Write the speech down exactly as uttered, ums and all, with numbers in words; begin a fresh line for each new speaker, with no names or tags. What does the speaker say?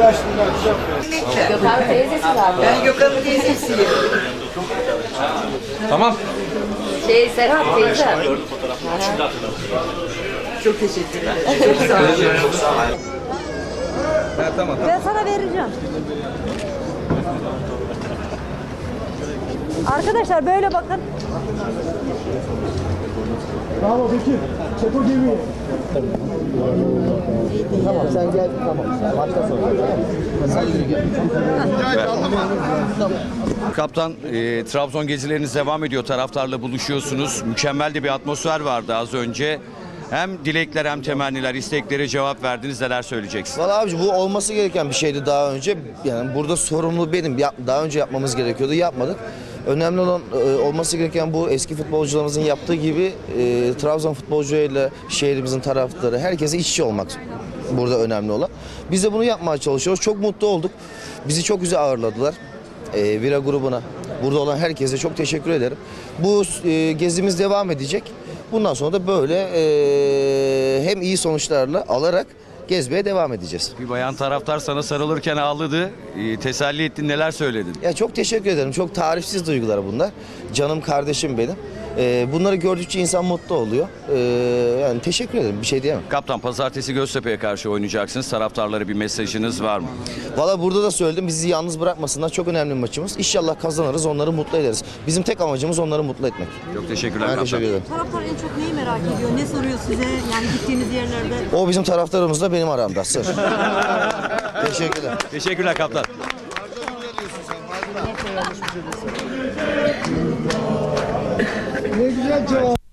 Gökhan teyzesi zaten.
Ben Gökhan'ın teyzesiyim.
Tamam.
Şey Serhat teyze.
Çok teşekkür ederim. Çok sağ olun.
Çok sağ ol. Evet, tamam.
Ben sana vereceğim. Arkadaşlar böyle bakın.
Bravo Bekir. Çek o gemiyi. Tamam sen gel. Tamam. Başka sonra. Sen yürü gel.
Kaptan, e, Trabzon gezileriniz devam ediyor. Taraftarla buluşuyorsunuz. Mükemmel de bir atmosfer vardı az önce. Hem dilekler hem temenniler, isteklere cevap verdiniz. Neler söyleyeceksiniz?
Valla abici bu olması gereken bir şeydi daha önce. Yani burada sorumlu benim. Yap- Daha önce yapmamız gerekiyordu. Yapmadık. Önemli olan e, olması gereken bu eski futbolcularımızın yaptığı gibi e, Trabzon futbolcularıyla şehrimizin taraftarı herkese iç içe olmak burada önemli olan. Biz de bunu yapmaya çalışıyoruz. Çok mutlu olduk. Bizi çok güzel ağırladılar. E, Vira grubuna, burada olan herkese çok teşekkür ederim. Bu e, gezimiz devam edecek. Bundan sonra da böyle e, hem iyi sonuçlarla alarak gezmeye devam edeceğiz.
Bir bayan taraftar sana sarılırken ağladı. E, teselli ettin, neler söyledin?
Ya çok teşekkür ederim. Çok tarifsiz duygular bunlar. Canım kardeşim benim. Ee, bunları gördükçe insan mutlu oluyor. Ee, yani teşekkür ederim. Bir şey diyemem.
Kaptan, pazartesi Göztepe'ye karşı oynayacaksınız. Taraftarlara bir mesajınız var mı?
Valla burada da söyledim. Bizi yalnız bırakmasınlar. Çok önemli bir maçımız. İnşallah kazanırız. Onları mutlu ederiz. Bizim tek amacımız onları mutlu etmek.
Çok teşekkürler
Ben
kaptan.
teşekkür ederim.
Taraftar en çok neyi merak ediyor? Ne soruyor size? Yani gittiğiniz yerlerde.
O bizim taraftarımızla benim aramda. Sır. Teşekkürler.
Teşekkürler kaptan.
Ne güzel cevap.